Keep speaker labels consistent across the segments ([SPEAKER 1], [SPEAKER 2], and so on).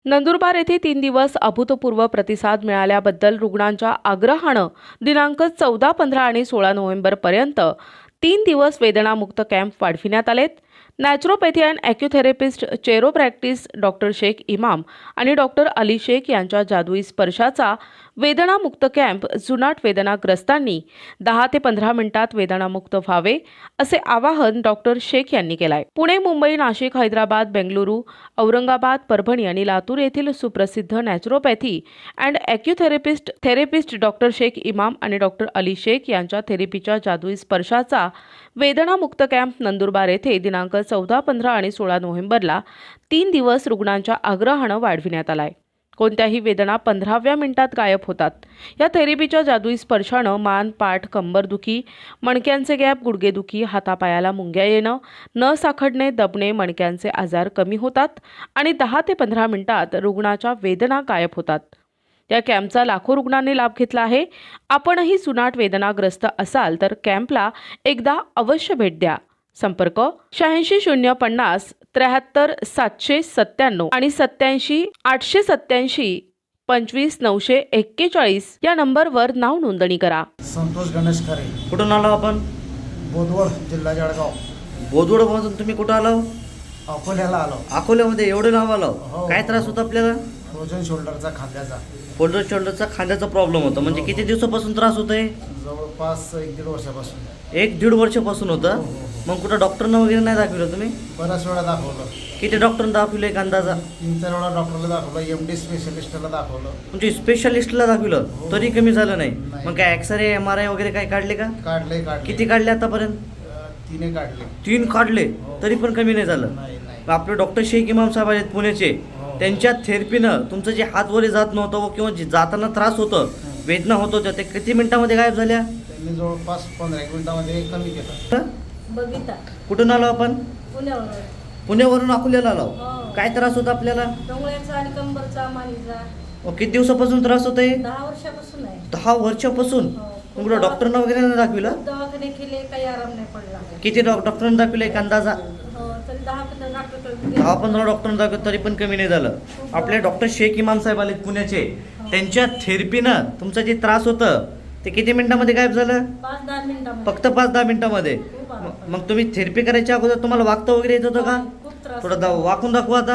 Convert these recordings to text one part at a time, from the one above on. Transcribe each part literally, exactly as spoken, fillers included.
[SPEAKER 1] नंदुरबार येथे तीन दिवस अभूतपूर्व प्रतिसाद मिळाल्याबद्दल रुग्णांच्या आग्रहानं दिनांक चौदा पंधरा आणि सोळा नोव्हेंबरपर्यंत तीन दिवस वेदनामुक्त कॅम्प वाढविण्यात आलेत. Naturopathy and acutherapist chiropractics doctor Shaikh Imam आणि डॉक्टर अली शेख यांच्या जादुई स्पर्शाचा वेदनामुक्त कॅम्प जुनाट वेदनाग्रस्तांनी दहा ते पंधरा मिनिटात वेदनामुक्त व्हावे असे आवाहन डॉक्टर शेख यांनी केले आहे. पुणे, मुंबई, नाशिक, हैदराबाद, बेंगलुरू, औरंगाबाद, परभणी आणि लातूर येथील सुप्रसिद्ध naturopathy and acutherapist therapist doctor Shaikh Imam आणि डॉक्टर अली शेख यांच्या थेरपीच्या जादुई स्पर्शाचा वेदनामुक्त कॅम्प नंदुरबार येथे दिनांक चौदा पंधरा आणि सोळा नोव्हेंबरला तीन दिवस रुग्णांच्या आग्रहानं वाढविण्यात आला आहे. कोणत्याही वेदना पंधराव्या मिनिटात गायब होतात. या थेरपीच्या जादुई स्पर्शानं मान, पाठ, कंबरदुखी, मणक्यांचे गॅप, गुडघेदुखी, हातापायाला मुंग्या येणं, नस आखडणे, दबणे, मणक्यांचे आजार कमी होतात आणि दहा ते पंधरा मिनिटात रुग्णाच्या वेदना गायब होतात. या कॅम्पचा लाखो रुग्णांनी लाभ घेतला आहे. आपणही जुनाट वेदनाग्रस्त असाल तर कॅम्पला एकदा अवश्य भेट द्या. संपर्क शहाऐंशी शून्य पन्नास त्र्याहत्तर सातशे सत्त्याण्णव आणि सत्याऐंशी आठशे सत्याऐंशी पंचवीस नऊशे एक्केचाळीस या नंबरवर नाव नोंदणी करा.
[SPEAKER 2] संतोष गणेश खरे.
[SPEAKER 3] कुठून आलो आपण?
[SPEAKER 2] बोदवड, जिल्हा जळगाव.
[SPEAKER 3] बोदवड मधून तुम्ही कुठं आलो?
[SPEAKER 2] अकोल्याला आलो.
[SPEAKER 3] अकोल्यामध्ये एवढे नाव आलो.
[SPEAKER 2] हो.
[SPEAKER 3] काय त्रास होता आपल्याला?
[SPEAKER 2] फ्रोजन शोल्डरचा खांद्याचा.
[SPEAKER 3] फोल्डर शोल्डरचा खांद्याचा प्रॉब्लेम होता. म्हणजे किती दिवसापासून त्रास होतोय?
[SPEAKER 2] जवळपास एक दीड वर्षापासून.
[SPEAKER 3] एक दीड वर्षापासून होतं.
[SPEAKER 2] हो, हो, हो.
[SPEAKER 3] मग कुठं डॉक्टरना वगैरे नाही दाखवलं तुम्ही?
[SPEAKER 2] बऱ्याच वेळा दाखवलं.
[SPEAKER 3] किती डॉक्टरना दाखवलं एक अंदाजा?
[SPEAKER 2] तीन चार वेळा डॉक्टरला दाखवलं, एम डी स्पेशलिस्टला दाखवलं.
[SPEAKER 3] म्हणजे स्पेशालिस्टला दाखवलं
[SPEAKER 2] हो.
[SPEAKER 3] तरी कमी झालं नाही?
[SPEAKER 2] नाही.
[SPEAKER 3] मग काय एक्सरे, एम आर आय वगैरे काय काढले का?
[SPEAKER 2] काढले काढले
[SPEAKER 3] किती काढले आतापर्यंत?
[SPEAKER 2] अं, तिने काढले.
[SPEAKER 3] तीन काढले
[SPEAKER 2] हो.
[SPEAKER 3] तरी पण कमी नाही झालं.
[SPEAKER 2] नाही नाही.
[SPEAKER 3] आपले डॉक्टर शेख इमाम साहेब आहेत पुण्याचे.
[SPEAKER 2] हो.
[SPEAKER 3] त्यांच्या थेरपीनं तुमचं जे हात वरे जात नव्हतं किंवा जे जाताना त्रास होतं, वेदना होत होत्या, ते किती मिनिटामध्ये गायब झाल्या?
[SPEAKER 2] त्यांनी जवळपास पंधरा एक मिनिटामध्ये कमी केलं.
[SPEAKER 4] बबिता.
[SPEAKER 3] कुठून आलो आपण?
[SPEAKER 4] पुण्यावर.
[SPEAKER 3] पुण्यावरून अकोल्याला आलो.
[SPEAKER 4] हो.
[SPEAKER 3] काय त्रास होता आपल्याला?
[SPEAKER 4] डोंगळ्याचा आणि कंबरचा, मानेचा.
[SPEAKER 3] अहो, किती दिवसापासून त्रास होत आहे?
[SPEAKER 4] दहा वर्षापासून आहे.
[SPEAKER 3] दहा वर्षापासून.
[SPEAKER 4] हो.
[SPEAKER 3] मग डॉक्टरना वगैरे नाही दाखविलं?
[SPEAKER 4] खूप दवाखाने केले, काही आराम नाही पडला.
[SPEAKER 3] किती डॉ डॉक्टरांना दाखविलं एक अंदाजा?
[SPEAKER 4] हो, तरी दहा पंधरा डॉक्टर
[SPEAKER 3] दहा पंधरा डॉक्टरांना दाखवलं तरी पण कमी नाही झालं. आपले डॉक्टर शेख इमाम साहेब आले पुण्याचे. त्यांच्या थेरपीनं तुमचा जे त्रास होतं ते किती मिनिटामध्ये गायब झालं?
[SPEAKER 4] पाच दहा मिनिटांमध्ये.
[SPEAKER 3] फक्त पाच दहा मिनिटामध्ये.
[SPEAKER 4] खूप आराम
[SPEAKER 3] मग- मग तुम्ही थेरपी करायच्या अगोदर तुम्हाला वागता वगैरे येत होतं का?
[SPEAKER 4] खूप त्रास
[SPEAKER 3] थोडं दा- वाकून दाखवा आता.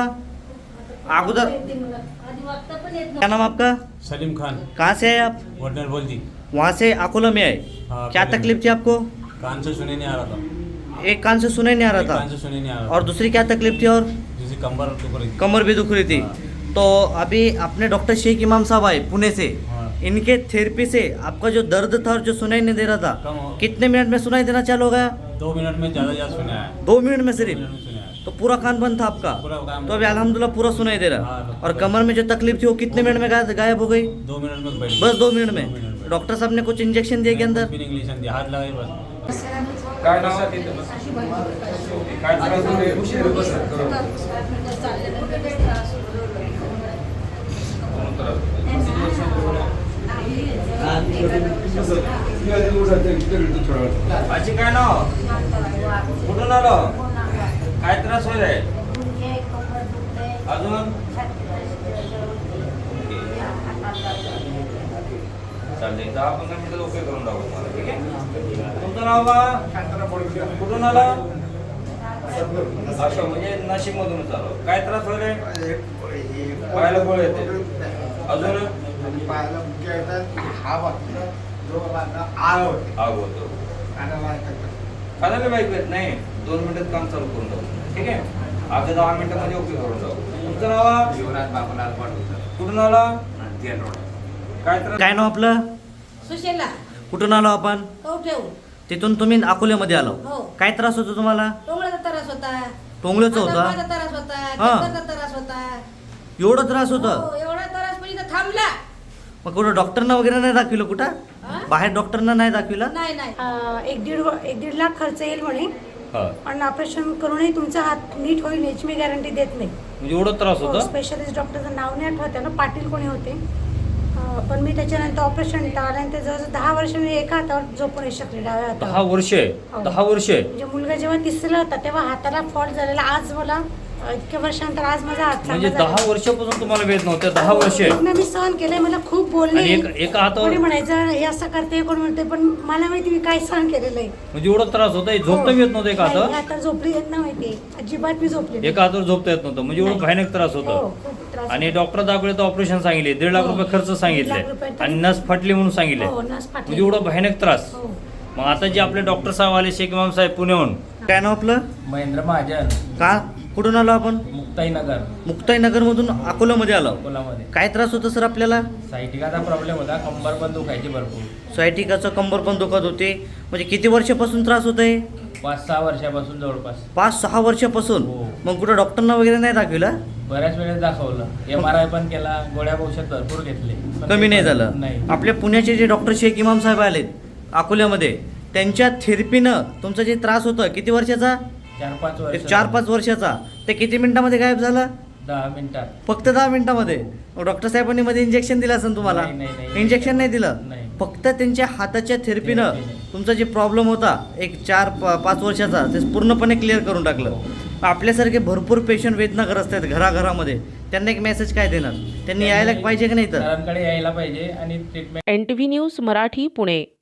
[SPEAKER 3] अगोदर
[SPEAKER 4] येते मला. आधी वागता पण येत
[SPEAKER 3] क्या नाम आपका?
[SPEAKER 5] सलीम खान,
[SPEAKER 3] कहाँ से है आप?
[SPEAKER 5] वर्डनर बोल जी।
[SPEAKER 3] वहाँ से अकोला में आए.
[SPEAKER 5] हाँ,
[SPEAKER 3] क्या
[SPEAKER 5] पहले-
[SPEAKER 3] तकलीफ थी आपको?
[SPEAKER 5] कान से सुने नहीं आ रहा था।
[SPEAKER 3] एक कान से सुनाई नहीं आ
[SPEAKER 5] एक
[SPEAKER 3] रहा
[SPEAKER 5] कान से
[SPEAKER 3] था
[SPEAKER 5] सुने नहीं आ रहा
[SPEAKER 3] और दूसरी क्या तकलीफ थी? और
[SPEAKER 5] था, जैसे कंबर दुख रही थी।
[SPEAKER 3] कमर भी दुख रही थी.
[SPEAKER 5] हाँ।
[SPEAKER 3] तो अभी अपने डॉक्टर शेख इमाम साहब आए पुणे से.
[SPEAKER 5] हाँ।
[SPEAKER 3] इनके थेरेपी से आपका जो दर्द था और जो सुनाई नहीं दे रहा था,
[SPEAKER 5] कम हो-
[SPEAKER 3] कितने मिनट में सुनाई देना चालू हो गया?
[SPEAKER 5] दो मिनट में ज्यादा ज्यादा सुने आया।
[SPEAKER 3] दो मिनट में
[SPEAKER 5] दो
[SPEAKER 3] सिर्फ.
[SPEAKER 5] मिनट में सुने आया।
[SPEAKER 3] तो पूरा कान बंद था आपका.
[SPEAKER 5] पूरा काम
[SPEAKER 3] तो अभी अल्हम्दुलिल्लाह पूरा सुनाई दे रहा.
[SPEAKER 5] हाँ,
[SPEAKER 3] और कमर में जो तकलीफ थी वो कितने मिनट में गायब गायब हो गई?
[SPEAKER 5] दो मिनट में बैठ
[SPEAKER 3] बस दो मिनट
[SPEAKER 5] दो मिनट
[SPEAKER 3] में.
[SPEAKER 5] में।
[SPEAKER 3] डॉक्टर साहब ने कुछ इंजेक्शन दिए के अंदर?
[SPEAKER 5] कुछ भी नहीं, इंग्लिश हाथ लगाए बस।
[SPEAKER 6] काय नाव? काय त्रास होते?
[SPEAKER 7] आजी काय नाव? कुठून आलो? काय त्रास होईल आहे? अजून चालते दहा पंधरा मिनिटं ओके करून टाकू तुम्हाला. ठीक आहे. तुमचं नाव बा? कुठून आला? असं म्हणजे नाशिक मधूनच आलो. काय त्रास होईल आहे? पायाला गोळ येते. अजून
[SPEAKER 2] पायाला मुक्या येतात. हा वाटतं. जो आळ होते.
[SPEAKER 7] आग होतो. खाण्याला बाईक येत नाही. दोन मिनिटात काम चालू करून टाकू. ठीक आहे. आता दहा मिनिटामध्ये ओके करून टाकू. तुमचं नाव?
[SPEAKER 6] युवराज बाबूलाल पाटील.
[SPEAKER 7] कुठून आला?
[SPEAKER 6] तेल रोड.
[SPEAKER 7] काय त्रास?
[SPEAKER 3] काय नाव आपलं?
[SPEAKER 4] सुशेला.
[SPEAKER 3] कुठून आलो आपण?
[SPEAKER 4] कवठेऊ.
[SPEAKER 3] तिथून तुम्ही अकोल्यामध्ये आलो.
[SPEAKER 4] हो.
[SPEAKER 3] काय त्रास होतो तुम्हाला?
[SPEAKER 4] डोंगळ्याचा त्रास होता.
[SPEAKER 3] टोंगळ्याचा होता?
[SPEAKER 4] हातापायाचा त्रास होता.
[SPEAKER 3] हा.
[SPEAKER 4] कंबरचा त्रास होता.
[SPEAKER 3] एवढा त्रास होता?
[SPEAKER 4] हो, एवढा त्रास म्हणजे इथं थांबला.
[SPEAKER 3] मग कुठं डॉक्टरना वगैरे नाही दाखविलं? कुठं
[SPEAKER 4] हा?
[SPEAKER 3] बाहेर डॉक्टरना नाही दाखविलं?
[SPEAKER 4] नाही नाही.
[SPEAKER 8] अं, एक दीड व- एक दीड लाख खर्च येईल म्हणे,
[SPEAKER 7] हा.
[SPEAKER 8] पण ऑपरेशन करूनही तुमचा हात नीट होईल याची मी गॅरंटी देत नाही.
[SPEAKER 7] म्हणजे एवढा त्रास होता?
[SPEAKER 8] स्पेशलिस्ट डॉक्टरचं नाव नाही आठवत ना, पाटील कोणी होते. अं, पण मी त्याच्यानंतर ऑपरेशन टाळल्यानंतर जवळजवळ दहा वर्ष मी एका हातावर झोपून नाही शकले, डाव्या
[SPEAKER 7] दहा
[SPEAKER 8] हातावर.
[SPEAKER 7] वर्ष
[SPEAKER 8] हो.
[SPEAKER 7] दहा वर्ष
[SPEAKER 8] म्हणजे मुलगा जेव्हा तिसरा होता तेव्हा हाताला फॉल्ट झालेला. आज मला इतक्या वर्षानंतर आज माझा हात
[SPEAKER 3] म्हणजे
[SPEAKER 8] चांगला
[SPEAKER 3] दहा
[SPEAKER 8] झाला.
[SPEAKER 3] वर्षापासून तुम्हाला वेद नव्हते दहा वर्ष
[SPEAKER 8] वेदना मी सहन केलंय, मला खूप बोलले,
[SPEAKER 3] आणि एक- एका हातावर-
[SPEAKER 8] कोणी म्हणायचं हे असं करते, कोण म्हणते, पण मला माहिती मी काय सहन केलेलं आहे.
[SPEAKER 3] म्हणजे एवढा त्रास होता झोपता येत नव्हतं एका
[SPEAKER 8] नाही,
[SPEAKER 3] हातावर
[SPEAKER 8] आता झोपली येत नाही माहिती, अजिबात मी झोपली नाही.
[SPEAKER 3] एका हातावर झोपता येत नव्हतं म्हणजे एवढं
[SPEAKER 8] नाही.
[SPEAKER 3] भयानक त्रास
[SPEAKER 8] हो,
[SPEAKER 3] होता.
[SPEAKER 8] खूप त्रास
[SPEAKER 3] आणि
[SPEAKER 8] होता.
[SPEAKER 3] डॉक्टर दाखवले तर ऑपरेशन सांगितले दीड लाख
[SPEAKER 8] हो.
[SPEAKER 3] रुपये खर्च
[SPEAKER 8] दीड लाख
[SPEAKER 3] सांगितले
[SPEAKER 8] रुपये तरी-
[SPEAKER 3] आणि नस फाटली म्हणून सांगितले
[SPEAKER 8] हो, नस फाटली.
[SPEAKER 3] म्हणजे एवढं भयानक त्रास.
[SPEAKER 8] हो.
[SPEAKER 3] मग आता जे आपले डॉक्टर साहेब आले शेख इमाम साहेब पुण्याहून काय नाव आपलं
[SPEAKER 9] महेंद्र महाजन,
[SPEAKER 3] का कुठून आलो आपण
[SPEAKER 9] मुक्ताईनगर,
[SPEAKER 3] मुक्ताईनगर मधून अकोल्यामध्ये आलो.
[SPEAKER 9] अकोलामध्ये.
[SPEAKER 3] काय त्रास होता सर आपल्याला?
[SPEAKER 9] सायटिकाचा प्रॉब्लेम होता, कंबर पण दुखायची भरपूर.
[SPEAKER 3] सायटिकाचं कंबर पण दुखत होते. म्हणजे किती वर्षापासून त्रास होत आहे?
[SPEAKER 9] पाच सहा वर्षापासून जवळपास.
[SPEAKER 3] पाच सहा वर्षापासून.
[SPEAKER 9] हो.
[SPEAKER 3] मग कुठं डॉक्टरना वगैरे नाही दाखविलं?
[SPEAKER 9] बऱ्याच वेळेस दाखवलं, एम आर आय पण केला, गोळ्या औषध भरपूर घेतले, पण
[SPEAKER 3] कमी
[SPEAKER 9] ते
[SPEAKER 3] नाही
[SPEAKER 9] पण-
[SPEAKER 3] झालं.
[SPEAKER 9] नाही.
[SPEAKER 3] आपल्या पुण्याचे जे डॉक्टर शेख इमाम साहेब आलेत अकोल्यामध्ये त्यांच्या थेरपीनं तुमचा जे त्रास होता किती वर्षाचा?
[SPEAKER 9] चार पाच वर्ष.
[SPEAKER 3] एक चार पाच वर्षाचा ते किती मिनिटामध्ये गायब झाला?
[SPEAKER 9] दहा मिनिटात.
[SPEAKER 3] फक्त दहा मिनिटामध्ये. डॉक्टर साहेबांनी मध्ये इंजेक्शन दिलं असेल तुम्हाला?
[SPEAKER 9] नाही, नाही, नाही.
[SPEAKER 3] इंजेक्शन नाही दिलं.
[SPEAKER 9] नाही.
[SPEAKER 3] फक्त त्यांच्या हाताच्या थेरपीनं
[SPEAKER 9] थेरपीने.
[SPEAKER 3] तुमचा जे प्रॉब्लेम होता एक चार प- पाच वर्षाचा ते पूर्णपणे क्लिअर करून टाकलं. आपल्यासारखे भरपूर पेशंट वेदनाग्रस्त आहेत घराघरामध्ये, त्यांना एक मेसेज काय देणार? त्यांनी यायला पाहिजे की नाही तर?
[SPEAKER 9] सरांकडे यायला पाहिजे आणि treatment
[SPEAKER 1] N T V news Marathi Pune.